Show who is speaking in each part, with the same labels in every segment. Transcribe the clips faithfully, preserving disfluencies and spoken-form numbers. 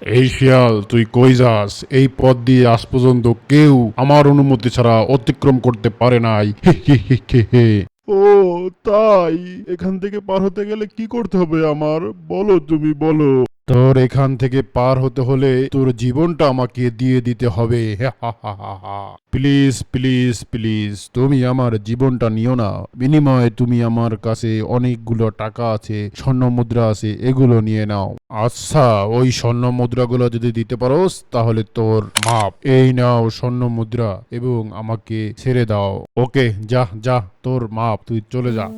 Speaker 1: এই শিয়াল, তুই কই যাস? এই পথ দিয়ে আজ পর্যন্ত কেউ আমার অনুমতি ছাড়া অতিক্রম করতে পারে নাই। হে হে হে হে হে। ও তাই? এখান থেকে পার হতে গেলে কি করতে হবে আমার? বলো, তুমি বলো। তোর এখান থেকে পার হতে হলে তোর জীবনটা আমাকে দিয়ে দিতে হবে। প্লিজ প্লিজ প্লিজ, তুমি আমার জীবনটা নিও না। বিনিময়ে তুমি আমার কাছে অনেকগুলো টাকা আছে, স্বর্ণ মুদ্রা আছে, এগুলো নিয়ে নাও। আচ্ছা, ওই স্বর্ণ মুদ্রাগুলো যদি দিতে পারোস তাহলে তোর মাপ। এই নাও স্বর্ণ মুদ্রা এবং আমাকে ছেড়ে দাও। ওকে, যা যা, তোর মাপ, তুই চলে যা।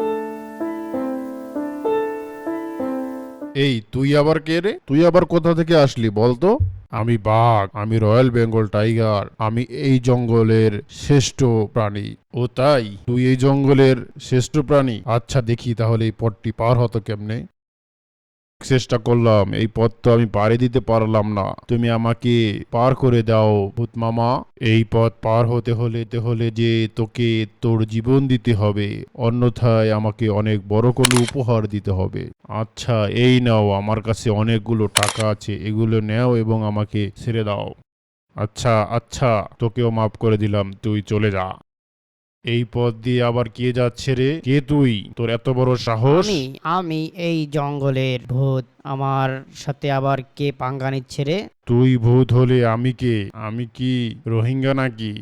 Speaker 1: এই তুই আবার কে রে? তুই আবার কোথা থেকে আসলি বলতো? আমি বাঘ, আমি রয়্যাল বেঙ্গল টাইগার, আমি এই জঙ্গলের শ্রেষ্ঠ প্রাণী। ও তাই? তুই এই জঙ্গলের শ্রেষ্ঠ প্রাণী? আচ্ছা, দেখি তাহলে এই পথটি পার হতো কেমনে। চেষ্টা করলাম, এই পথ তো আমি পাড়ি দিতে পারলাম না। তুমি আমাকে পার করে দাও ভূত মামা। এই পথ পার হতে হলে তে হলে যে তোকে তোর জীবন দিতে হবে, অন্যথায় আমাকে অনেক বড় কোনো উপহার দিতে হবে। আচ্ছা, এই নাও, আমার কাছে অনেকগুলো টাকা আছে, এগুলো নেও এবং আমাকে ছেড়ে দাও। আচ্ছা আচ্ছা, তোকেও মাফ করে দিলাম, তুই চলে যা। এই পথ দিয়ে আবার কে যাচ্ছে রে? কে তুই? তোর এত বড় সাহস?
Speaker 2: আমি আমি এই জঙ্গলের ভূত। আমার সাথে আবার কে পাঙ্গা নিচ্ছে রে?
Speaker 1: তুই ভূত হলে আমি কে? আমি কি রোহিঙ্গা নাকি?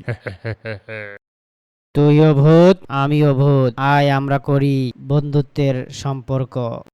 Speaker 2: তুইও ভূত, আমিও ভূত। আয় আমরা করি বন্ধুত্বের সম্পর্ক।